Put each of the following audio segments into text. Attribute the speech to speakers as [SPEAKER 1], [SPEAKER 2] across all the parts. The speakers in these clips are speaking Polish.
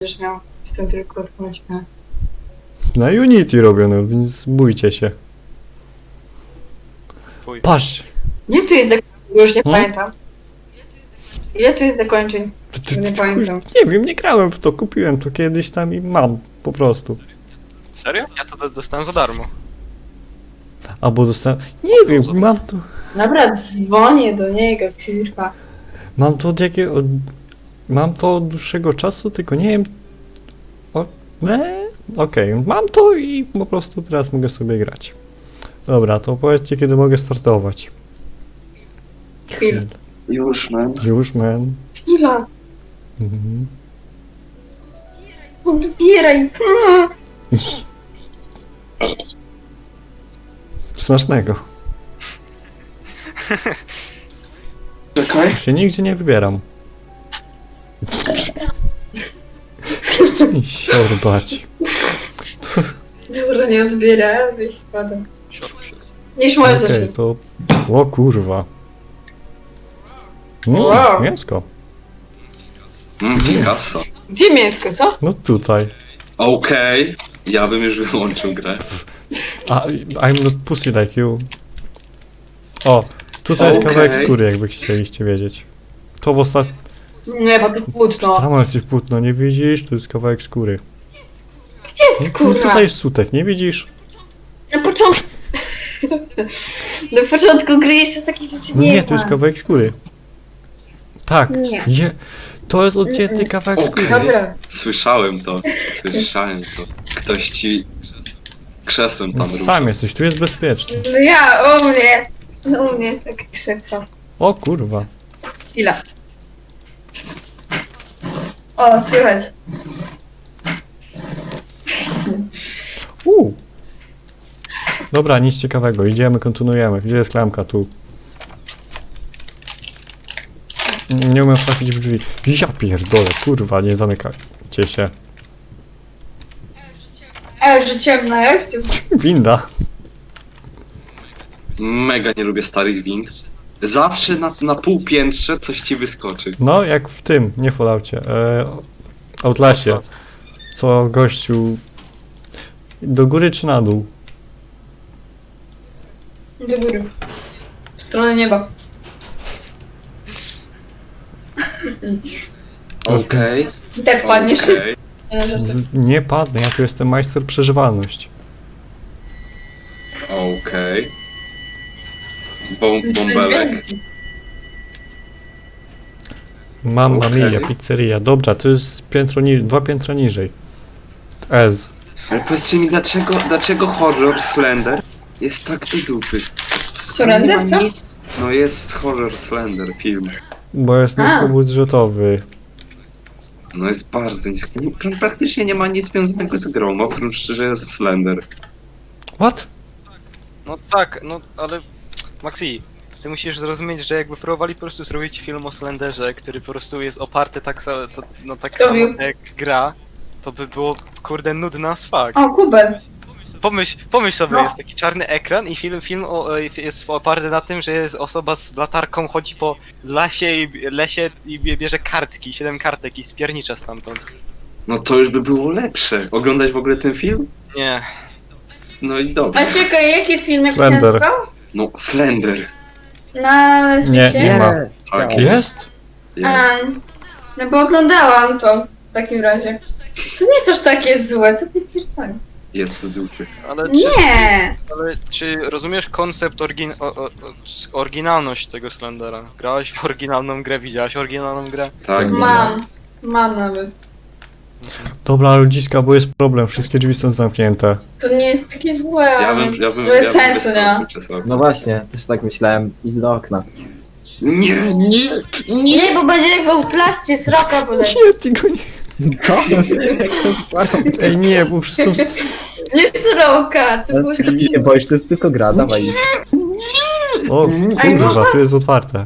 [SPEAKER 1] Będziesz miał. Jestem tylko odpłacimy.
[SPEAKER 2] Na Unity robione, więc bójcie się.
[SPEAKER 3] Fuj.
[SPEAKER 2] Patrz!
[SPEAKER 1] Gdzie tu jest zakończeń? Już nie
[SPEAKER 2] Hmm?
[SPEAKER 1] pamiętam. Ile tu jest zakończeń? Nie pamiętam.
[SPEAKER 2] Nie wiem, nie grałem w to, kupiłem to kiedyś tam i mam, po prostu.
[SPEAKER 3] Serio? Ja to dostałem za darmo.
[SPEAKER 2] Albo dostałem... Nie wiem, mam to...
[SPEAKER 1] Dobra, dzwonię do niego, kurwa.
[SPEAKER 2] Mam to od jakiego... Mam to od dłuższego czasu, tylko nie wiem... Okej, mam to i po prostu teraz mogę sobie grać. Dobra, to powiedzcie, kiedy mogę startować.
[SPEAKER 1] Chwila.
[SPEAKER 4] Już, man.
[SPEAKER 2] Już, man.
[SPEAKER 1] Chwila.
[SPEAKER 2] Mhm.
[SPEAKER 1] Odbieraj.
[SPEAKER 2] Smacznego.
[SPEAKER 4] Czekaj.
[SPEAKER 2] Się nigdzie nie wybieram. Przestań siorbać.
[SPEAKER 1] Dobra, nie odbiera, wyjść spadam.
[SPEAKER 3] Sior, sior.
[SPEAKER 1] Niż możesz
[SPEAKER 2] Okej,
[SPEAKER 1] zacząć.
[SPEAKER 2] to... O kurwa.
[SPEAKER 1] Wow.
[SPEAKER 2] Mięsko.
[SPEAKER 4] Picasso.
[SPEAKER 1] Gdzie mięsko, co?
[SPEAKER 2] No tutaj.
[SPEAKER 4] Okej. Ja bym już wyłączył grę.
[SPEAKER 2] I'm not pussy like you. O, tutaj jest
[SPEAKER 4] Okej.
[SPEAKER 2] kawałek skóry, jakby chcieliście wiedzieć. To w ostatnim...
[SPEAKER 1] Nie, bo to płótno.
[SPEAKER 2] Samo jesteś płótno, nie widzisz? Tu jest kawałek skóry.
[SPEAKER 1] Gdzie jest
[SPEAKER 2] No,
[SPEAKER 1] kurwa?
[SPEAKER 2] tutaj jest sutek, nie widzisz?
[SPEAKER 1] Na początku... Na początku gry jeszcze takich rzeczy
[SPEAKER 2] No
[SPEAKER 1] nie
[SPEAKER 2] nie,
[SPEAKER 1] ma.
[SPEAKER 2] tu jest kawałek skóry. Tak.
[SPEAKER 1] Nie.
[SPEAKER 2] To jest odcięty kawałek
[SPEAKER 4] Okej.
[SPEAKER 2] skóry.
[SPEAKER 1] Dobra.
[SPEAKER 4] Słyszałem to. Słyszałem to. Ktoś ci krzesłem tam ruszał.
[SPEAKER 2] Sam jesteś, tu jest bezpieczny.
[SPEAKER 1] No ja, u mnie tak krzesło.
[SPEAKER 2] O kurwa.
[SPEAKER 1] Chwila. O, słychać.
[SPEAKER 2] Dobra, nic ciekawego, idziemy, kontynuujemy. Gdzie jest klamka? Tu. Nie umiem trafić w drzwi. Ja pierdolę, kurwa, nie zamykajcie się.
[SPEAKER 1] Że ciemno jest.
[SPEAKER 2] Winda.
[SPEAKER 4] Mega nie lubię starych wind. Zawsze na półpiętrze coś ci wyskoczy.
[SPEAKER 2] No, jak w tym, nie w Falloutie, Outlasie. Co gościu... Do góry czy na dół?
[SPEAKER 1] Do góry. W stronę nieba.
[SPEAKER 4] Okej.
[SPEAKER 1] I tak padniesz.
[SPEAKER 4] Okej.
[SPEAKER 2] Nie padnę, ja tu jestem majster przeżywalność.
[SPEAKER 4] Okej. Bąbelek.
[SPEAKER 2] Mamma
[SPEAKER 4] Okej.
[SPEAKER 2] mia, pizzeria. Dobra, to jest piętro dwa piętra niżej. Ez.
[SPEAKER 4] Ale powiedzcie mi, dlaczego horror Slender jest tak do dupy?
[SPEAKER 1] Surrender, co?
[SPEAKER 4] No jest horror Slender film.
[SPEAKER 2] Bo jest
[SPEAKER 1] A.
[SPEAKER 2] niskobudżetowy.
[SPEAKER 4] No jest bardzo niski. Praktycznie nie ma nic związanego z grą, oprócz że jest Slender.
[SPEAKER 2] What?
[SPEAKER 3] No tak, no ale... Maxi, ty musisz zrozumieć, że jakby próbowali po prostu zrobić film o Slenderze, który po prostu jest oparty tak, tak
[SPEAKER 1] Kto
[SPEAKER 3] samo
[SPEAKER 1] mówił?
[SPEAKER 3] jak gra, to by było, kurde, nudne as fuck.
[SPEAKER 1] O, kubel.
[SPEAKER 3] Pomyśl sobie,
[SPEAKER 1] No.
[SPEAKER 3] jest taki czarny ekran i jest oparty na tym, że jest osoba z latarką, chodzi po lesie i bierze kartki, 7 kartek i spiernicza stamtąd.
[SPEAKER 4] No to już by było lepsze. Oglądać w ogóle ten film?
[SPEAKER 3] Nie.
[SPEAKER 4] No i dobrze.
[SPEAKER 1] A czekaj, jaki film jak się
[SPEAKER 2] Slender.
[SPEAKER 1] nazywał?
[SPEAKER 4] No Slender.
[SPEAKER 1] Na
[SPEAKER 2] Nie,
[SPEAKER 1] świecie?
[SPEAKER 2] nie ma.
[SPEAKER 4] Tak,
[SPEAKER 2] Jest?
[SPEAKER 4] jest.
[SPEAKER 1] No bo oglądałam to w takim razie. To nie jest aż takie złe, co ty pierdolisz?
[SPEAKER 4] Jest do dupy.
[SPEAKER 3] Ale
[SPEAKER 1] Nie!
[SPEAKER 3] ale czy rozumiesz koncept, oryginalność tego Slendera? Grałeś w oryginalną grę, widziałaś oryginalną grę?
[SPEAKER 4] Tak.
[SPEAKER 1] Mam nawet.
[SPEAKER 2] Dobra, ludziska, bo jest problem, wszystkie drzwi są zamknięte.
[SPEAKER 1] To nie jest takie złe,
[SPEAKER 4] Ja
[SPEAKER 1] ale
[SPEAKER 4] bym
[SPEAKER 1] to jest sensu, nie?
[SPEAKER 4] wyskoczył przez okno.
[SPEAKER 5] No właśnie, też tak myślałem. Idź do okna.
[SPEAKER 4] Nie, nie!
[SPEAKER 1] Nie, bo będzie jak w Outlaście sroka poleci.
[SPEAKER 2] Nie, tylko nie.
[SPEAKER 5] Co? Jaką parą?
[SPEAKER 2] Ej, nie, bo wszyscy są...
[SPEAKER 1] Nie sroka, to było...
[SPEAKER 5] Ty się boisz, to jest tylko gra, dawaj.
[SPEAKER 2] O, kurwa, tu jest otwarte.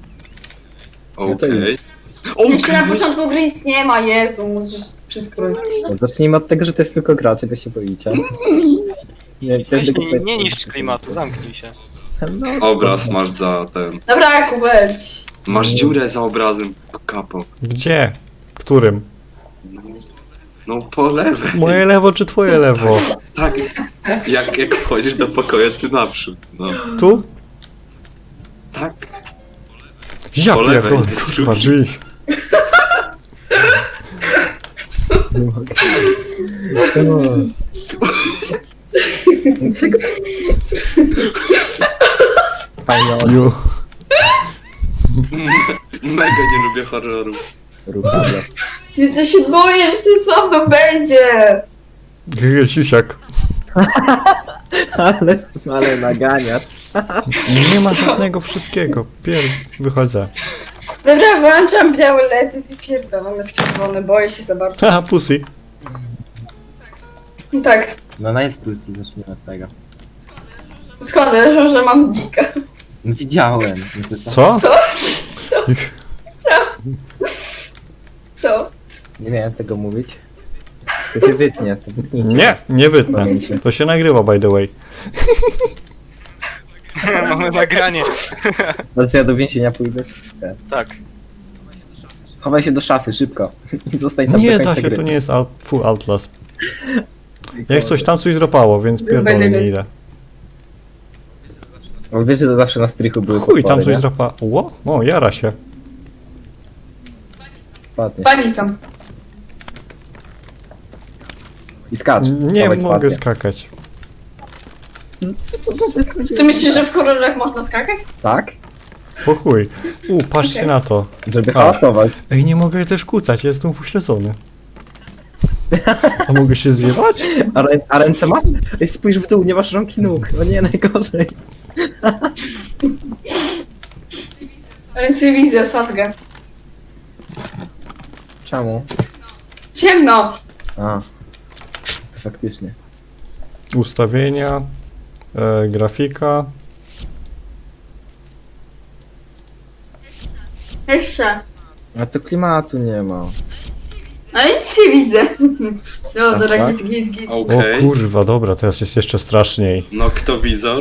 [SPEAKER 4] Okej.
[SPEAKER 1] Jeszcze na początku gry nic nie ma, Jezu, musisz wszystko robić.
[SPEAKER 5] No, zacznijmy od tego, że to jest tylko gra, czego się boicie. Nie,
[SPEAKER 3] Weź, nie niszcz klimatu, zamknij się.
[SPEAKER 5] No,
[SPEAKER 4] Obraz masz za ten.
[SPEAKER 1] Dobra, Kubeć.
[SPEAKER 4] Masz dziurę za obrazem. Kapo.
[SPEAKER 2] Gdzie? Którym?
[SPEAKER 4] No po lewej.
[SPEAKER 2] Moje lewo czy twoje lewo?
[SPEAKER 4] Tak, jak wchodzisz do pokoju, ty naprzód. No,
[SPEAKER 2] Tu?
[SPEAKER 4] tak.
[SPEAKER 2] Ja
[SPEAKER 4] Po lewej,
[SPEAKER 2] pierdolę, kurwa, drzwi.
[SPEAKER 5] Nie mogę. Czego? Fajnie,
[SPEAKER 2] Ju.
[SPEAKER 4] Mega nie lubię horrorów.
[SPEAKER 5] ruchamy.
[SPEAKER 1] Ja się boję, że to słabo będzie.
[SPEAKER 2] Siusiak.
[SPEAKER 5] Ale naganiasz.
[SPEAKER 2] Nie ma żadnego wszystkiego. Wychodzę.
[SPEAKER 1] Dobra, włączam białe ledy i pierdolone w czerwone, boję się za bardzo.
[SPEAKER 2] Haha, pussy.
[SPEAKER 1] Tak,
[SPEAKER 5] No ona jest pussy, zacznijmy od tego.
[SPEAKER 1] skąd wiesz, że mam dika?
[SPEAKER 5] No widziałem. No to
[SPEAKER 2] Co?
[SPEAKER 1] Co? Co?
[SPEAKER 5] Nie miałem tego mówić. To się wytnie, to wytnijcie.
[SPEAKER 2] Nie wytnę. To się nagrywa, by the way.
[SPEAKER 3] Mamy nagranie.
[SPEAKER 5] No co ja do więzienia pójdę?
[SPEAKER 3] Tak.
[SPEAKER 5] Chowaj się do szafy, szybko. I zostań tam
[SPEAKER 2] Nie
[SPEAKER 5] do
[SPEAKER 2] da
[SPEAKER 5] końca
[SPEAKER 2] się,
[SPEAKER 5] gry.
[SPEAKER 2] to nie jest full Outlast. Jak coś tam coś dropało, więc pierdolę nie idę.
[SPEAKER 5] Bo wiesz, że to zawsze na strychu były
[SPEAKER 2] Chuj, tam
[SPEAKER 5] potwory,
[SPEAKER 2] coś
[SPEAKER 5] nie?
[SPEAKER 2] dropało. O, jara się.
[SPEAKER 5] Padnie.
[SPEAKER 1] Pani tam.
[SPEAKER 5] I skacz.
[SPEAKER 2] Nie
[SPEAKER 5] Dawaj
[SPEAKER 2] mogę
[SPEAKER 5] spację.
[SPEAKER 2] skakać.
[SPEAKER 1] Ty myślisz, że w horrorach można skakać?
[SPEAKER 5] Tak?
[SPEAKER 2] Po chuj. Patrzcie
[SPEAKER 1] Okej.
[SPEAKER 2] na to.
[SPEAKER 5] Żeby
[SPEAKER 2] A.
[SPEAKER 5] hałasować.
[SPEAKER 2] Ej, nie mogę też kucać, jestem upośledzony. A mogę się zjebać?
[SPEAKER 5] A ręce masz? Ej, spójrz w dół, nie masz rąk i nóg. No nie, najgorzej.
[SPEAKER 1] Ręce widzę, sadgę.
[SPEAKER 5] Czemu?
[SPEAKER 1] Ciemno!
[SPEAKER 5] A. To faktycznie.
[SPEAKER 2] Ustawienia. Grafika.
[SPEAKER 1] Jeszcze.
[SPEAKER 5] A to klimatu nie ma.
[SPEAKER 1] No i nic nie widzę. Dobra,
[SPEAKER 5] Tak?
[SPEAKER 1] git.
[SPEAKER 4] Okej.
[SPEAKER 2] O kurwa, dobra, teraz jest jeszcze straszniej.
[SPEAKER 4] Noktowizor.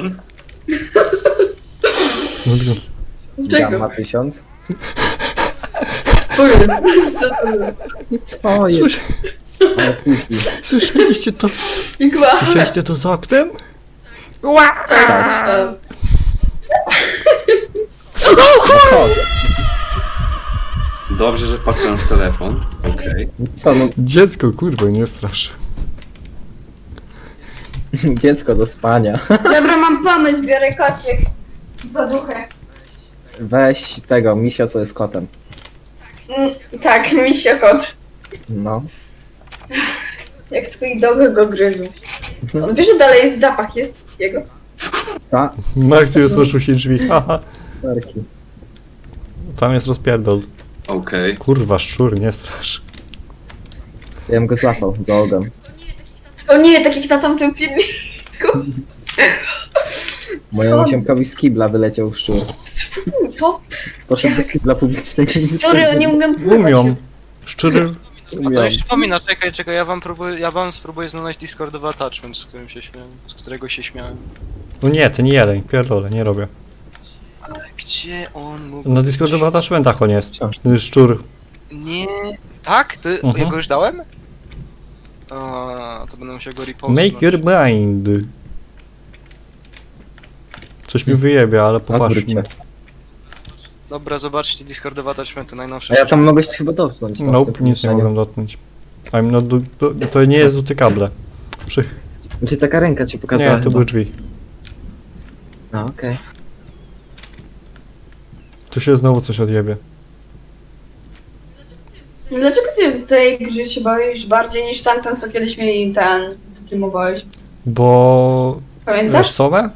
[SPEAKER 2] No,
[SPEAKER 1] Czego?
[SPEAKER 5] Gamma 1000.
[SPEAKER 1] Co jest? Co to jest?
[SPEAKER 5] Co jest?
[SPEAKER 2] Słysz,
[SPEAKER 5] Ale puści.
[SPEAKER 2] słyszeliście to?
[SPEAKER 1] Igła.
[SPEAKER 2] Słyszeliście to za oknem?
[SPEAKER 1] Tak.
[SPEAKER 5] No chodź.
[SPEAKER 4] Dobrze, że patrzyłem w telefon. Okej.
[SPEAKER 5] Co, no
[SPEAKER 2] Dziecko, kurwa, nie strasz.
[SPEAKER 5] dziecko do spania.
[SPEAKER 1] Dobra, mam pomysł, biorę kociek. I poduchę.
[SPEAKER 5] Weź tego, misio, co jest kotem.
[SPEAKER 1] Tak, misio kot.
[SPEAKER 5] No.
[SPEAKER 1] Jak twój dobry go gryzł. On wie, że dalej jest zapach, jest jego.
[SPEAKER 5] Ta,
[SPEAKER 2] Max rozproszył się drzwi, haha.
[SPEAKER 5] parki.
[SPEAKER 2] Tam jest rozpierdol.
[SPEAKER 4] Okej.
[SPEAKER 2] Kurwa, szczur, nie strasz.
[SPEAKER 5] Ja bym go złapał za ogon.
[SPEAKER 1] O nie, takich na tamtym filmie.
[SPEAKER 5] Mojemu ziomkowi z kibla wyleciał szczur.
[SPEAKER 1] Co?
[SPEAKER 5] Poszedł do kibla publicznego.
[SPEAKER 1] Szczury, oni umieją pływać.
[SPEAKER 2] Umią. Szczury.
[SPEAKER 3] A to jeszcze przypomina, czekaj, ja wam spróbuję znaleźć Discordowy attachment, z którego się śmiałem.
[SPEAKER 2] No nie, ty nie jeden, pierdolę, nie robię.
[SPEAKER 3] Gdzie on mógł
[SPEAKER 2] Na
[SPEAKER 3] być?
[SPEAKER 2] Discordowych attachmentach on jest.
[SPEAKER 5] Wciąż.
[SPEAKER 2] Szczur.
[SPEAKER 3] Nie. Tak? Ty,
[SPEAKER 2] Mhm.
[SPEAKER 3] ja go już dałem? A, to będę musiał go repostować.
[SPEAKER 2] Make your mind. Coś mi wyjebie, ale
[SPEAKER 5] Odwróć
[SPEAKER 2] popatrzmy.
[SPEAKER 5] się.
[SPEAKER 3] Dobra, zobaczcie Discordowe attachmenty, najnowsze.
[SPEAKER 5] A ja tam mogłeś chyba dotknąć. tam w
[SPEAKER 2] Nope,
[SPEAKER 5] tym
[SPEAKER 2] nic nie
[SPEAKER 5] pomieszczeniu.
[SPEAKER 2] mogę dotknąć. I'm not to nie jest dotykable.
[SPEAKER 5] Znaczy taka ręka ci pokazała
[SPEAKER 2] Nie, to
[SPEAKER 5] chyba.
[SPEAKER 2] były drzwi.
[SPEAKER 5] A, okej.
[SPEAKER 2] Tu się znowu coś odjebie.
[SPEAKER 1] Dlaczego ty tej gry się boisz bardziej niż tamten, co kiedyś mieli ten streamowałeś?
[SPEAKER 2] Bo... Wiesz
[SPEAKER 1] Pamiętasz?
[SPEAKER 2] Somę?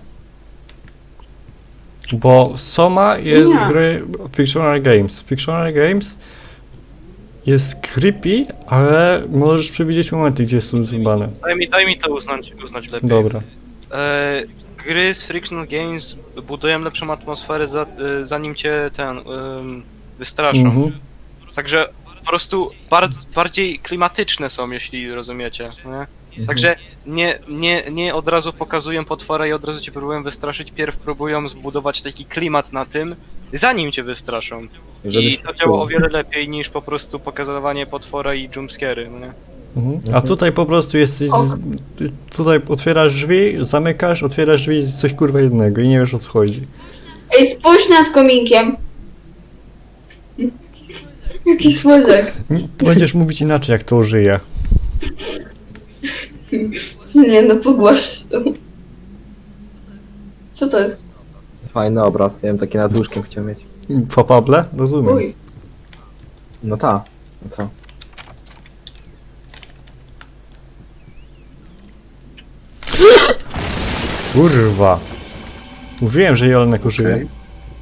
[SPEAKER 2] Bo Soma jest
[SPEAKER 1] Nie.
[SPEAKER 2] gry Fictional Games. Fictional Games jest creepy, ale możesz przewidzieć momenty, gdzie są zjebane.
[SPEAKER 3] Daj mi to uznać lepiej.
[SPEAKER 2] Dobra.
[SPEAKER 3] Gry z Frictional Games budują lepszą atmosferę zanim cię wystraszą.
[SPEAKER 2] Mhm.
[SPEAKER 3] Także po prostu bardziej klimatyczne są, jeśli rozumiecie. Nie? Także nie od razu pokazują potwora i od razu cię próbują wystraszyć, pierw próbują zbudować taki klimat na tym, zanim cię wystraszą. I to działa o wiele lepiej niż po prostu pokazywanie potwora i jumpscary, no nie?
[SPEAKER 2] A tutaj po prostu jesteś... Tutaj otwierasz drzwi, zamykasz, otwierasz drzwi i coś kurwa jednego i nie wiesz o co chodzi.
[SPEAKER 1] Ej, spójrz nad kominkiem. Jaki słodziak.
[SPEAKER 2] Będziesz mówić inaczej jak to żyje.
[SPEAKER 1] Nie no, pogłasz to. Co to jest?
[SPEAKER 5] Fajny obraz, ja bym taki nad łóżkiem chciał mieć.
[SPEAKER 2] Papable? Rozumiem.
[SPEAKER 1] Uj.
[SPEAKER 5] No ta. No co?
[SPEAKER 2] Kurwa. Mówiłem, że Jolnek użyje.
[SPEAKER 4] Okej.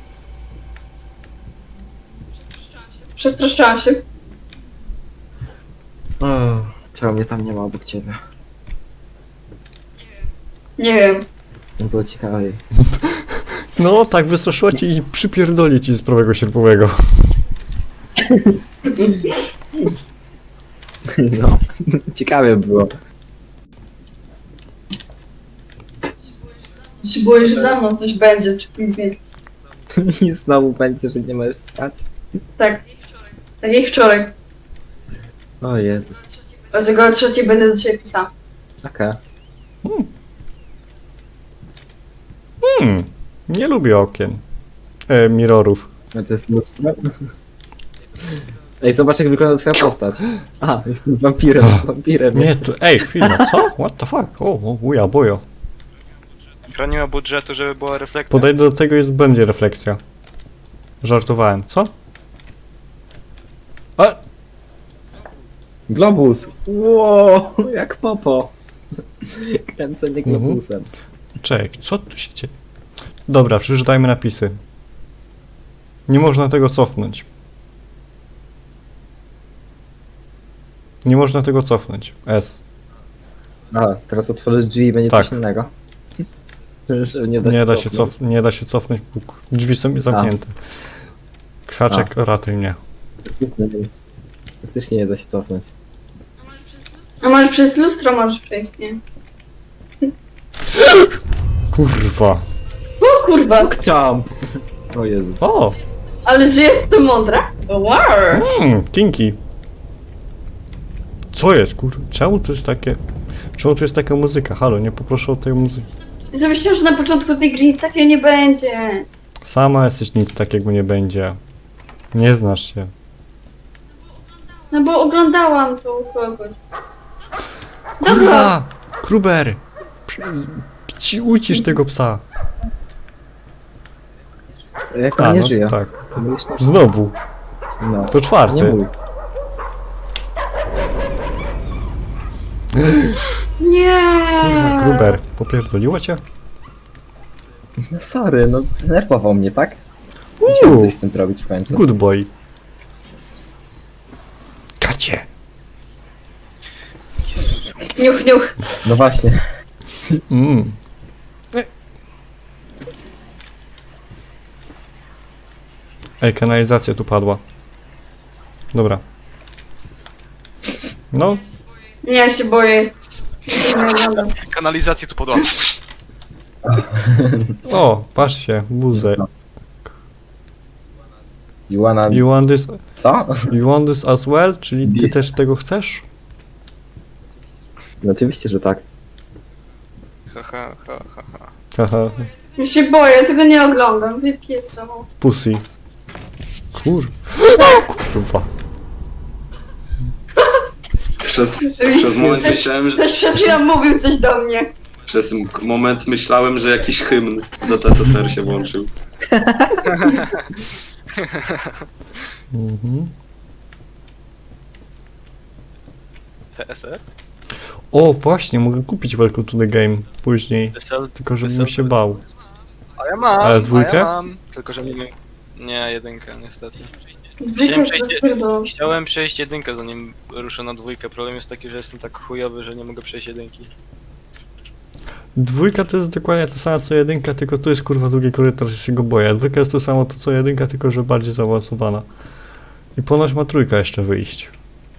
[SPEAKER 1] Przestraszyłam się.
[SPEAKER 5] Czemu mnie tam nie ma obok ciebie?
[SPEAKER 1] Nie wiem.
[SPEAKER 5] Nie było ciekawiej.
[SPEAKER 2] No, tak wystraszyła cię i przypierdoli ci z prawego sierpowego.
[SPEAKER 5] No, ciekawie było.
[SPEAKER 1] Się boję, że za mną coś będzie, czy nie.
[SPEAKER 5] I znowu będzie, że nie możesz spać.
[SPEAKER 1] Tak. Tak jak wczoraj.
[SPEAKER 5] O Jezus.
[SPEAKER 1] Dlatego o 3 będę do ciebie pisała.
[SPEAKER 5] Okej.
[SPEAKER 2] Nie lubię okien. Mirrorów.
[SPEAKER 5] A to jest lustro? Ej, zobacz jak wygląda twoja postać. A, jestem wampirem, wampirem.
[SPEAKER 2] Nie, to... Ej, chwila, co? What the fuck? O, uja, bojo.
[SPEAKER 3] Gra nie ma budżetu, żeby była reflekcja.
[SPEAKER 2] Podejdę do tego i będzie refleksja. Żartowałem, co? A!
[SPEAKER 5] Globus! Wow, jak popo. Kręcenie globusem.
[SPEAKER 2] Czekaj, co tu się dzieje? Dobra, przeczytajmy napisy. Nie można tego cofnąć. Nie można tego cofnąć. S.
[SPEAKER 5] Aha, teraz otworzysz drzwi i będzie
[SPEAKER 2] Tak.
[SPEAKER 5] coś innego. Że nie cofnąć.
[SPEAKER 2] Nie da się cofnąć. Bóg. Drzwi są zamknięte. Krzaczek, ratuj mnie.
[SPEAKER 5] Faktycznie nie da się cofnąć.
[SPEAKER 1] A może przez lustro możesz przejść, nie?
[SPEAKER 2] Kurwa.
[SPEAKER 1] O kurwa.
[SPEAKER 5] Chciałam! O Jezus.
[SPEAKER 2] O!
[SPEAKER 1] Ale że jestem mądra? Wow.
[SPEAKER 2] Kinki. Co jest, kurwa? Czemu to jest takie... Czemu to jest taka muzyka? Halo, nie poproszę o tej muzyki.
[SPEAKER 1] Ja myślałam, że na początku tej gry nic takiego nie będzie.
[SPEAKER 2] Sama jesteś, nic takiego nie będzie. Nie znasz się.
[SPEAKER 1] No bo oglądałam to u kogoś. Dobra.
[SPEAKER 2] Kurwa! Kruber! Ucisz tego psa.
[SPEAKER 5] Jak on nie
[SPEAKER 2] no,
[SPEAKER 5] żyje.
[SPEAKER 2] tak.
[SPEAKER 5] To mówisz,
[SPEAKER 2] Znowu.
[SPEAKER 5] no.
[SPEAKER 2] To czwarty.
[SPEAKER 5] Nie mój.
[SPEAKER 1] Nie.
[SPEAKER 2] Kurwa, Kruber. Popierdoliło cię?
[SPEAKER 5] No sorry, no denerwował mnie, tak? Musiałem coś z tym zrobić w końcu.
[SPEAKER 2] Good boy. Kacie.
[SPEAKER 1] Niuch, niuch.
[SPEAKER 5] No właśnie.
[SPEAKER 2] Mm. Ej, kanalizacja tu padła. Dobra. No,
[SPEAKER 1] Nie, ja się boję. Nie oglądam.
[SPEAKER 3] Kanalizację tu podła.
[SPEAKER 2] o, patrzcie, buzę.
[SPEAKER 5] You wanna...
[SPEAKER 2] You want this,
[SPEAKER 5] Co?
[SPEAKER 2] you want this as well? Czyli ty
[SPEAKER 5] This.
[SPEAKER 2] też tego chcesz?
[SPEAKER 5] No oczywiście, że tak.
[SPEAKER 3] Ha, ha, ha, ha, ha.
[SPEAKER 2] Haha,
[SPEAKER 1] Ja się boję, tego nie oglądam. Wypierdolę.
[SPEAKER 2] pussy. Kurwa.
[SPEAKER 4] Przez moment myślałem, że...
[SPEAKER 1] Ktoś przed chwilą mówił coś do mnie.
[SPEAKER 4] Przez moment myślałem, że jakiś hymn za TSSR się włączył.
[SPEAKER 2] Mhm.
[SPEAKER 3] TSR?
[SPEAKER 2] O, właśnie, mogę kupić Welcome to the Game później.
[SPEAKER 3] TSL?
[SPEAKER 2] Tylko żebym się bał.
[SPEAKER 3] A ja mam,
[SPEAKER 2] Ale dwójkę?
[SPEAKER 3] A ja mam. Tylko, że nie wiem. Nie, jedynkę niestety.
[SPEAKER 1] Zwykle
[SPEAKER 3] przejść-
[SPEAKER 1] rozpierdolą.
[SPEAKER 3] Chciałem przejść jedynkę, zanim ruszę na dwójkę. Problem jest taki, że jestem tak chujowy, że nie mogę przejść jedynki.
[SPEAKER 2] Dwójka to jest dokładnie to samo co jedynka, tylko tu jest kurwa długi korytarz, że się go boję. Dwójka jest to samo to co jedynka, tylko że bardziej zaawansowana. I ponoć ma trójka jeszcze wyjść.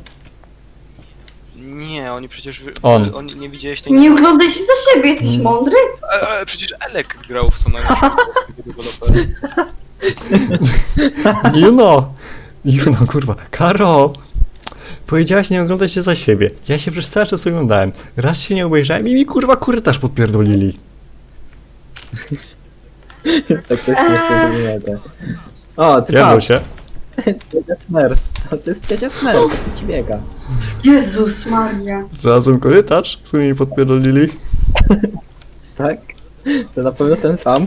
[SPEAKER 3] Nie, oni przecież...
[SPEAKER 2] On.
[SPEAKER 3] Oni nie widziałeś tej...
[SPEAKER 1] Nie oglądaj się za siebie, jesteś mądry?
[SPEAKER 3] Przecież Elek grał w to najlepsze dewelopera.
[SPEAKER 2] You know, kurwa. Karo! Powiedziałaś, nie oglądaj się za siebie. Ja się przez cały czas oglądałem. Raz się nie obejrzałem i mi kurwa korytarz podpierdolili.
[SPEAKER 5] Tak też nie wiem. O, ty
[SPEAKER 2] Jadło
[SPEAKER 5] patrz,
[SPEAKER 2] się.
[SPEAKER 5] ciocia Smurf. To jest ciocia Smurf, co ci biega.
[SPEAKER 1] Jezus Maria.
[SPEAKER 2] Znalazłem korytarz, który mi podpierdolili.
[SPEAKER 5] Tak? To na pewno ten sam.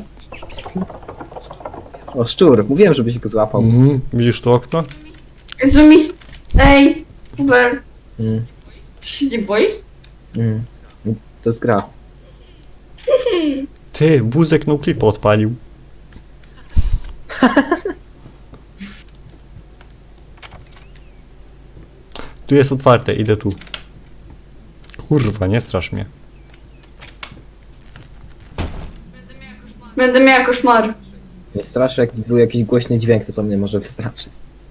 [SPEAKER 5] O, szczur. Mówiłem, żebyś go złapał.
[SPEAKER 2] Widzisz to okno?
[SPEAKER 1] Jezu mi... Ej, Uber,
[SPEAKER 5] Mm,
[SPEAKER 1] ty się nie boisz?
[SPEAKER 5] mm. To jest gra.
[SPEAKER 2] Ty, wózek no clipa odpalił. Tu jest otwarte, idę tu. Kurwa, nie strasz mnie.
[SPEAKER 1] Będę miała koszmar.
[SPEAKER 5] Nie straszy, jak był jakiś głośny dźwięk, to mnie może wystraszyć.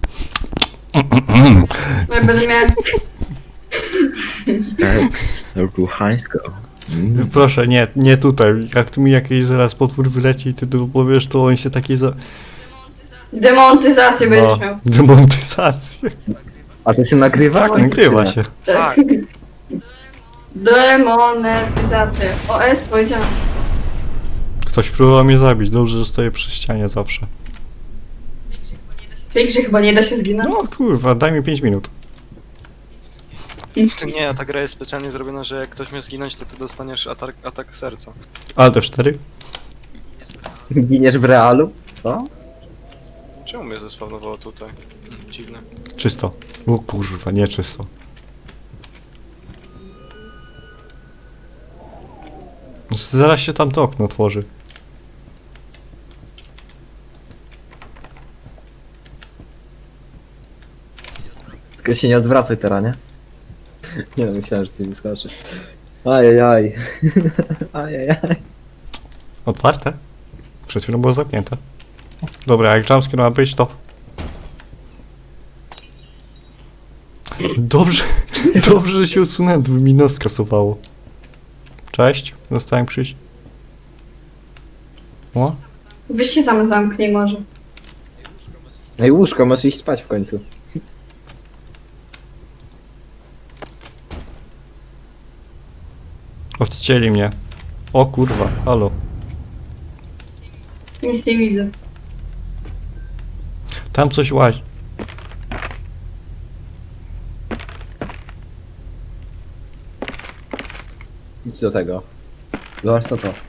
[SPEAKER 1] Ja będę miała...
[SPEAKER 5] Seks ruchańsko.
[SPEAKER 2] Proszę, nie tutaj. Jak tu mi jakiś zaraz potwór wyleci i ty tu powiesz, to on się taki za...
[SPEAKER 1] Demontyzację będziesz
[SPEAKER 2] No,
[SPEAKER 1] miał.
[SPEAKER 2] demontyzację.
[SPEAKER 5] A to się nagrywa?
[SPEAKER 2] Tak, nagrywa się.
[SPEAKER 1] Tak. Demonetyzację. OS powiedziałam.
[SPEAKER 2] Ktoś próbował mnie zabić, dobrze, że stoję przy ścianie zawsze.
[SPEAKER 1] W tej grze chyba nie da się zginąć.
[SPEAKER 2] No kurwa, daj mi 5 minut.
[SPEAKER 3] To nie, ta gra jest specjalnie zrobiona, że jak ktoś mnie zginąć, to ty dostaniesz atak serca.
[SPEAKER 2] Alt F4?
[SPEAKER 5] Giniesz w realu? Co?
[SPEAKER 3] Czemu mnie zespawnowało tutaj? Dziwne.
[SPEAKER 2] Czysto. O kurwa, nie czysto. Zaraz się tam to okno otworzy.
[SPEAKER 5] Tylko się nie odwracaj teraz, nie? Nie no, myślałem, że ty nie skoczysz. Ajajaj. Ajajaj.
[SPEAKER 2] Otwarte? Przed chwilą było zamknięte. Dobra, jak jumpscare ma być, to... Dobrze, dobrze, że się odsunąłem, to by mi nos skasowało. Cześć, dostałem przyjść. O?
[SPEAKER 1] Weź się tam zamknij może.
[SPEAKER 5] Ej, łóżko, masz iść spać w końcu.
[SPEAKER 2] Odcięli mnie. O kurwa, halo.
[SPEAKER 1] Nic nie widzę.
[SPEAKER 2] Tam coś łazi.
[SPEAKER 5] Idź do tego. Zobacz co to.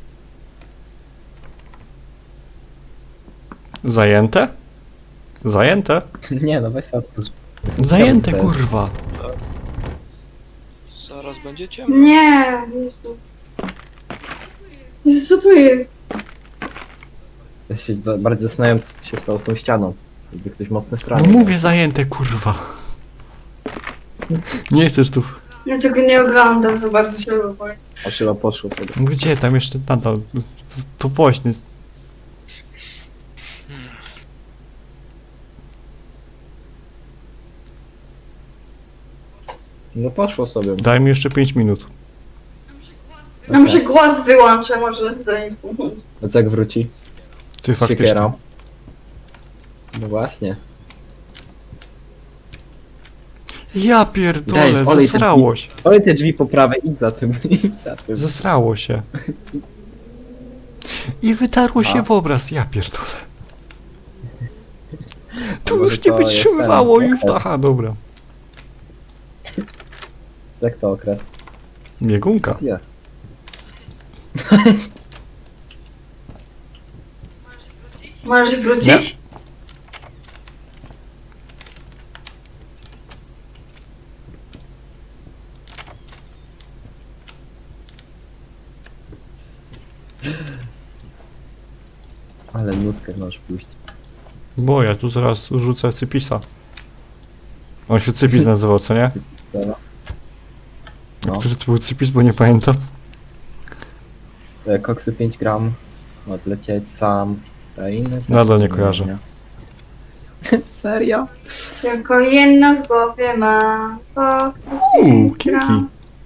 [SPEAKER 2] Zajęte? Zajęte?
[SPEAKER 5] Nie no, weź to otwórz.
[SPEAKER 2] Zajęte,
[SPEAKER 5] Ciekawe, co to jest.
[SPEAKER 2] kurwa.
[SPEAKER 3] Zaraz będzie ciemno.
[SPEAKER 1] Nie, Jezu. Jezu, co tu jest?
[SPEAKER 5] Ja się bardziej zastanawiam, co się stało z tą ścianą. Jakby ktoś mocno
[SPEAKER 2] No
[SPEAKER 5] stranił.
[SPEAKER 2] mówię zajęte, kurwa. Nie chcesz tu...
[SPEAKER 1] Ja tego nie oglądam, za bardzo się boję.
[SPEAKER 5] A chyba poszło sobie.
[SPEAKER 2] Gdzie tam jeszcze nadal? To woźny.
[SPEAKER 5] No poszło sobie.
[SPEAKER 2] Daj mi jeszcze 5 minut.
[SPEAKER 1] Ja muszę głos wyłączę, może to nie pomóc.
[SPEAKER 5] A co jak wróci?
[SPEAKER 2] Ty
[SPEAKER 5] Z
[SPEAKER 2] faktycznie.
[SPEAKER 5] siekierą. No właśnie.
[SPEAKER 2] Ja pierdolę,
[SPEAKER 5] Daj, olej ten
[SPEAKER 2] zesrało się.
[SPEAKER 5] Olej te drzwi po prawej, idź za tym, idź za tym.
[SPEAKER 2] Zesrało się. I wytarło się
[SPEAKER 5] A.
[SPEAKER 2] w obraz, ja pierdolę. To
[SPEAKER 5] Może
[SPEAKER 2] już nie
[SPEAKER 5] to jest
[SPEAKER 2] wytrzymywało
[SPEAKER 5] ten
[SPEAKER 2] i...
[SPEAKER 5] okres.
[SPEAKER 2] Aha, dobra.
[SPEAKER 5] Jak to okres?
[SPEAKER 2] Biegunka.
[SPEAKER 5] Nie.
[SPEAKER 1] Możesz wrócić?
[SPEAKER 5] Ale nutkę możesz pójść.
[SPEAKER 2] Bo ja tu zaraz rzucę Cypisa. On się Cypis nazywał, co nie?
[SPEAKER 5] Zero. No.
[SPEAKER 2] Który to był Cypis, bo nie pamiętam.
[SPEAKER 5] Koksy 5 gram. Odlecieć sam. A inne
[SPEAKER 2] Nadal nie
[SPEAKER 5] rzeczy
[SPEAKER 2] kojarzę.
[SPEAKER 5] nie. Serio?
[SPEAKER 1] Tylko jedno w głowie mam.
[SPEAKER 2] Kinki.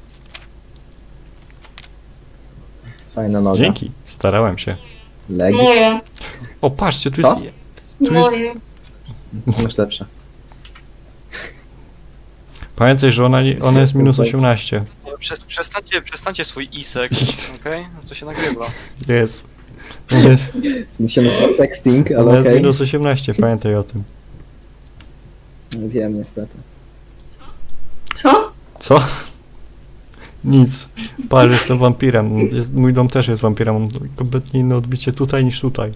[SPEAKER 5] Fajna noga.
[SPEAKER 2] Dzięki, starałem się.
[SPEAKER 5] Legi.
[SPEAKER 1] Moje,
[SPEAKER 2] O, patrzcie, tu
[SPEAKER 5] Co?
[SPEAKER 2] jest... Tu jest...
[SPEAKER 1] moje.
[SPEAKER 5] Masz lepsze.
[SPEAKER 2] Pamiętaj, że ona jest minus 18.
[SPEAKER 3] Przestańcie swój isek, okej? To się nagrywa.
[SPEAKER 2] Jest. Ona jest,
[SPEAKER 5] Się nazywa sexting,
[SPEAKER 2] ona
[SPEAKER 5] ale
[SPEAKER 2] jest
[SPEAKER 5] okej.
[SPEAKER 2] minus 18, pamiętaj o tym.
[SPEAKER 5] Wiem niestety.
[SPEAKER 1] Co?
[SPEAKER 2] Co? Nic. Patrz, jestem wampirem. Mój dom też jest wampirem. Mam kompletnie inne odbicie tutaj niż tutaj.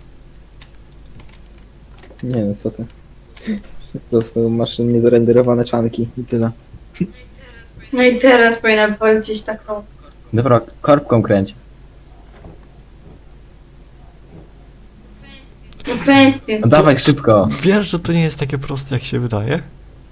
[SPEAKER 5] Nie no, co ty. Po prostu masz niezarenderowane czanki i tyle.
[SPEAKER 1] No i teraz powinna polecieć taką.
[SPEAKER 5] Dobra, korbką kręć.
[SPEAKER 1] No kwestię.
[SPEAKER 5] No dawaj szybko.
[SPEAKER 2] Wiesz, że to nie jest takie proste, jak się wydaje?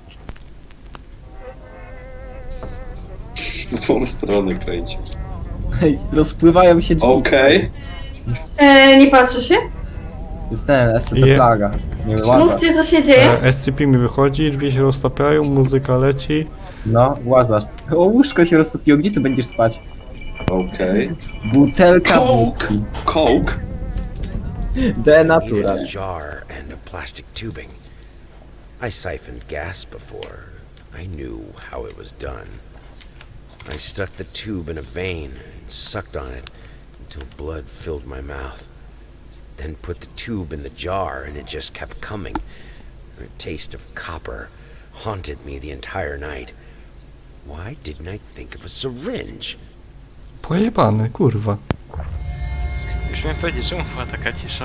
[SPEAKER 4] W złą stronę kręci.
[SPEAKER 5] Hej, rozpływają się drzwi.
[SPEAKER 4] Okej.
[SPEAKER 1] Nie patrzy się?
[SPEAKER 5] To jest ten SCP
[SPEAKER 2] Je-
[SPEAKER 5] plaga. Nie łaza.
[SPEAKER 1] Mówcie, co się dzieje.
[SPEAKER 2] SCP mi wychodzi, drzwi się roztapiają, muzyka leci.
[SPEAKER 5] No, łazasz. O, łóżko się roztopiło, gdzie ty będziesz spać?
[SPEAKER 4] Okej.
[SPEAKER 5] Butelka
[SPEAKER 4] Coke.
[SPEAKER 5] wódki.
[SPEAKER 4] Coke?
[SPEAKER 5] Denatura.
[SPEAKER 6] Needed a jar and a plastic tubing. I siphoned gas before. I knew how it was done. I stuck the tube in a vein and sucked on it until blood filled my mouth. Then put the tube in the jar and it just kept coming. The taste of copper haunted me the entire night. Why didn't I think of a syringe?
[SPEAKER 2] Pojebany, kurwa.
[SPEAKER 3] Już miałem powiedzieć, czemu była taka cisza?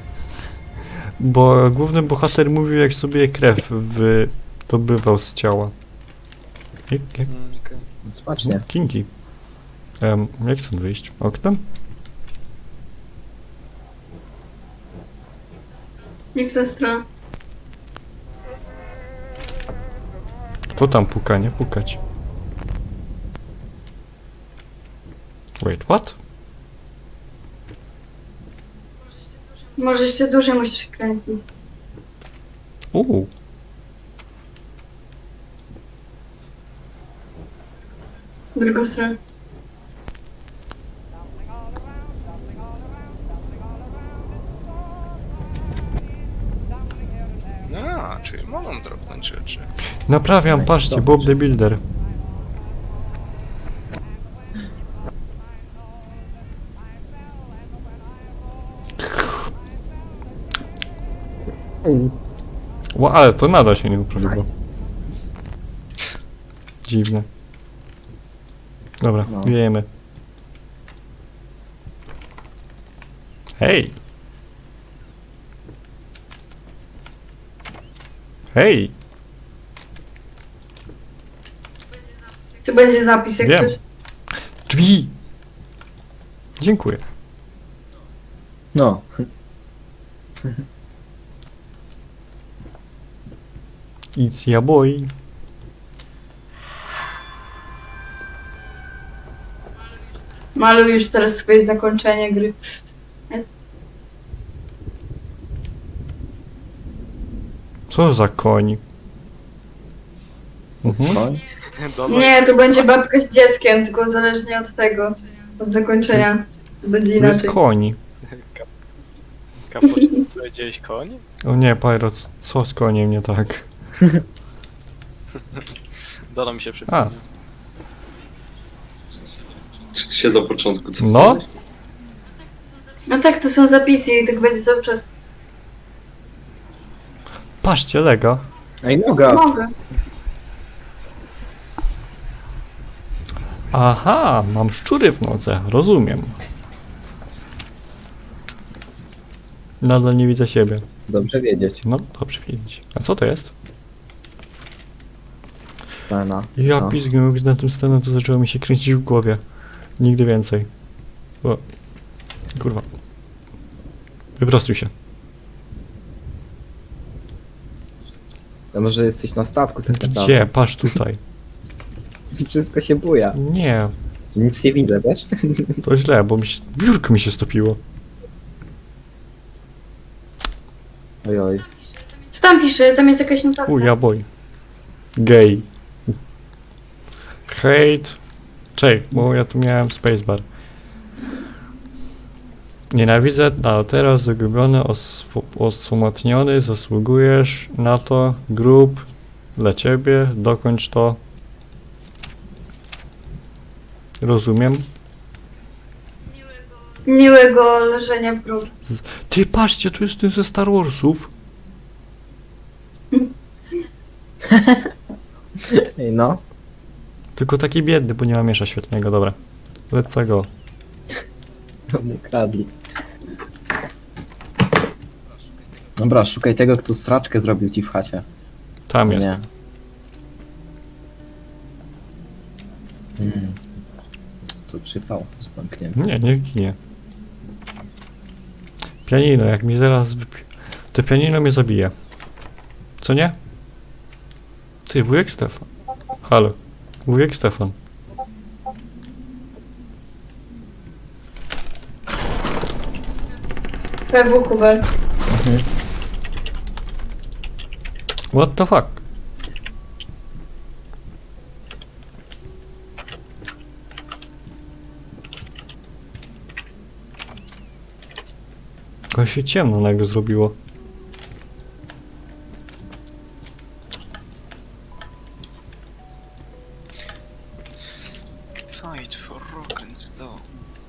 [SPEAKER 2] Bo główny bohater mówił, jak sobie krew wydobywał z ciała. Jak?
[SPEAKER 3] Okej.
[SPEAKER 5] Smacznie.
[SPEAKER 2] Kinki. Jak stąd wyjść? Oknem?
[SPEAKER 1] Nie w tę stronę.
[SPEAKER 2] To tam puka, nie pukać. Wait, what?
[SPEAKER 1] Może jeszcze dłużej musisz kręcić.
[SPEAKER 2] Uuu.
[SPEAKER 1] W drugą stronę.
[SPEAKER 3] A, czyli mogą dropnąć rzeczy.
[SPEAKER 2] Naprawiam, patrzcie, Bob the Builder. Ale to nadal się nie uprawiło. Dziwne. Dobra,
[SPEAKER 5] No.
[SPEAKER 2] wiejemy. Hej! Hej!
[SPEAKER 1] Tu będzie zapis jak
[SPEAKER 2] Wiem.
[SPEAKER 1] ktoś.
[SPEAKER 2] Drzwi! Dziękuję.
[SPEAKER 5] No.
[SPEAKER 2] It's ya boy.
[SPEAKER 1] Maluj już teraz swoje zakończenie gry.
[SPEAKER 2] Co za koń? Mhm.
[SPEAKER 5] Skoń.
[SPEAKER 3] Dobra,
[SPEAKER 1] Nie, to będzie babka z dzieckiem, tylko zależnie od tego, od zakończenia. Będzie
[SPEAKER 2] To jest
[SPEAKER 1] inaczej.
[SPEAKER 2] koń.
[SPEAKER 3] Kapoś, powiedziałeś koń?
[SPEAKER 2] O nie, Pyro, co z koniem nie tak?
[SPEAKER 3] Doda mi się przypomniał.
[SPEAKER 4] Czy ty się do początku co?
[SPEAKER 2] No?
[SPEAKER 1] No tak, to są zapisy i tak będzie cały czas.
[SPEAKER 2] Patrzcie, Lega.
[SPEAKER 5] Ej, noga.
[SPEAKER 1] Mogę.
[SPEAKER 2] Aha, mam szczury w nodze, rozumiem. Nadal nie widzę siebie.
[SPEAKER 5] Dobrze wiedzieć.
[SPEAKER 2] No, dobrze wiedzieć. A co to jest?
[SPEAKER 5] Cena.
[SPEAKER 2] Ja
[SPEAKER 5] No.
[SPEAKER 2] pizgę, jak na tym scenę, to zaczęło mi się kręcić w głowie. Nigdy więcej. O. Kurwa. Wyprostuj się.
[SPEAKER 5] To może jesteś na statku tak naprawdę.
[SPEAKER 2] Gdzie? Patrz tutaj.
[SPEAKER 5] Wszystko się buja.
[SPEAKER 2] Nie,
[SPEAKER 5] Nic nie widzę, wiesz?
[SPEAKER 2] to źle, bo biurko mi się stopiło.
[SPEAKER 5] Oj, oj.
[SPEAKER 1] Co tam pisze? Tam jest jakaś notatka.
[SPEAKER 2] Uja boj. Gay. Hate. Czekaj, bo ja tu miałem spacebar. Nienawidzę, a teraz zagubiony, osłomotniony, zasługujesz na to, grób, Dla ciebie, dokończ to. Rozumiem.
[SPEAKER 1] Miłego leżenia w grobie.
[SPEAKER 2] Ty patrzcie, tu jest ten ze Star Warsów.
[SPEAKER 5] Ej, no.
[SPEAKER 2] Tylko taki biedny, bo nie ma miesza świetnego, dobra. Let's go.
[SPEAKER 5] Mnie kradli. Dobra, szukaj tego, kto sraczkę zrobił ci w chacie.
[SPEAKER 2] Tam jest.
[SPEAKER 5] Nie. Tu przypał, zamknięty.
[SPEAKER 2] Nie, nie ginie. Pianino, jak mi zaraz wypi... To pianino mnie zabije. Co nie? Ty, wujek Stefan. Halo. Wujek Stefan.
[SPEAKER 1] PW Kubel.
[SPEAKER 2] What the fuck? Tylko się ciemno nagle zrobiło.
[SPEAKER 3] Fight for rock and stone.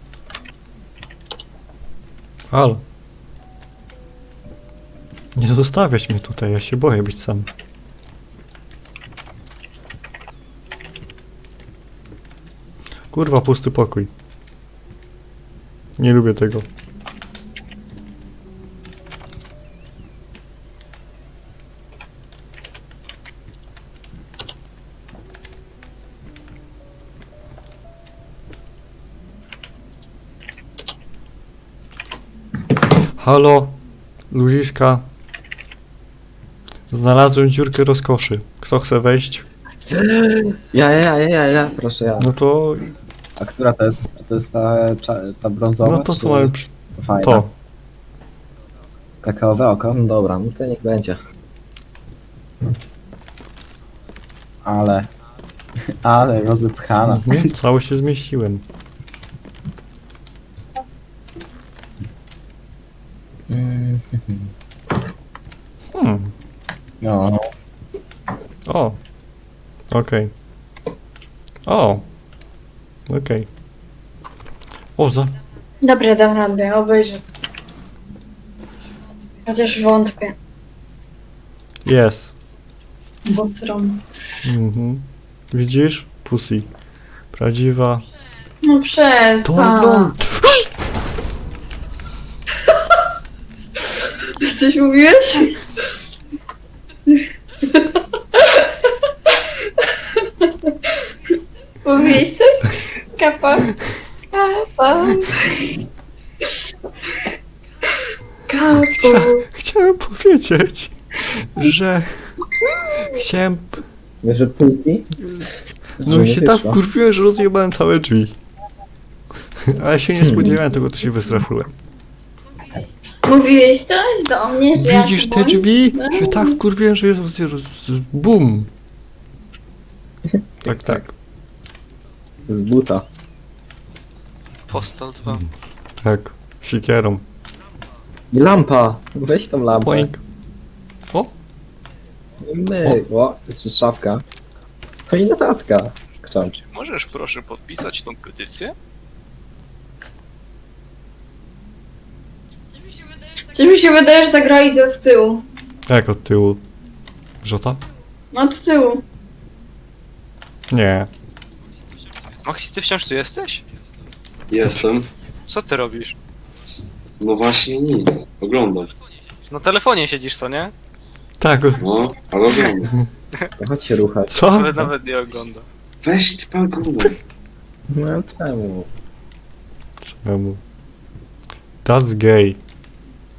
[SPEAKER 2] Halo. Nie zostawiać mnie tutaj, ja się boję być sam. Kurwa, pusty pokój. Nie lubię tego. Halo, ludziska. Znalazłem dziurkę rozkoszy. Kto chce wejść?
[SPEAKER 5] Ja, proszę ja.
[SPEAKER 2] No to...
[SPEAKER 5] A która to jest? To jest ta brązowa?
[SPEAKER 2] No to
[SPEAKER 5] czy
[SPEAKER 2] co mamy przy...
[SPEAKER 5] fajna?
[SPEAKER 2] To.
[SPEAKER 5] Kakaowe oko? No dobra, no to niech będzie. Ale rozepchana.
[SPEAKER 2] Mhm, cały się zmieściłem.
[SPEAKER 5] No.
[SPEAKER 2] O. Okej. O. Okej. O, za...
[SPEAKER 1] Dobra, dam radę, obejrzę. Chociaż wątpię.
[SPEAKER 2] Jest.
[SPEAKER 1] Bo stron.
[SPEAKER 2] Mhm. Widzisz? Pussy. Prawdziwa.
[SPEAKER 1] No
[SPEAKER 2] To
[SPEAKER 1] przestań.
[SPEAKER 2] no.
[SPEAKER 1] Ty coś mówiłeś? Mówiłeś coś? Kapa. Kapa. Kapu.
[SPEAKER 2] Chciałem powiedzieć, że... Chciałem...
[SPEAKER 5] Wiesz, że półki?
[SPEAKER 2] No
[SPEAKER 5] Że
[SPEAKER 2] i
[SPEAKER 5] nie
[SPEAKER 2] się tak
[SPEAKER 5] wyszło.
[SPEAKER 2] wkurwiłem, że rozjebałem całe drzwi. Ale się nie spodziewałem tego, to się wystraszyłem.
[SPEAKER 1] Mówiłeś coś do mnie, że ja
[SPEAKER 2] Widzisz
[SPEAKER 1] się
[SPEAKER 2] te
[SPEAKER 1] boję?
[SPEAKER 2] drzwi? Się tak wkurwiłem, że jest... Bum! Tak, tak.
[SPEAKER 5] Z buta.
[SPEAKER 3] Postal 2.
[SPEAKER 2] Tak. Sikierą.
[SPEAKER 5] I lampa! Weź tą lampę.
[SPEAKER 2] Poink. O!
[SPEAKER 5] O, jeszcze szafka. No i notatka. Krzącz.
[SPEAKER 3] Możesz proszę podpisać tą petycję?
[SPEAKER 1] Coś mi się wydaje, że ta gra idzie od tyłu.
[SPEAKER 2] Jak od tyłu? Żota?
[SPEAKER 1] No od tyłu.
[SPEAKER 2] Nie.
[SPEAKER 3] Maxi, ty wciąż tu jesteś?
[SPEAKER 4] Jestem.
[SPEAKER 3] Co ty robisz?
[SPEAKER 4] No właśnie nic. Oglądam.
[SPEAKER 3] Na telefonie siedzisz, co nie?
[SPEAKER 2] Tak.
[SPEAKER 4] No, ale oglądam.
[SPEAKER 5] Chodź się ruchać.
[SPEAKER 2] Co?
[SPEAKER 3] Ale nawet nie ogląda.
[SPEAKER 4] Weź ty pal gumę.
[SPEAKER 5] No czemu?
[SPEAKER 2] Czemu? That's gay.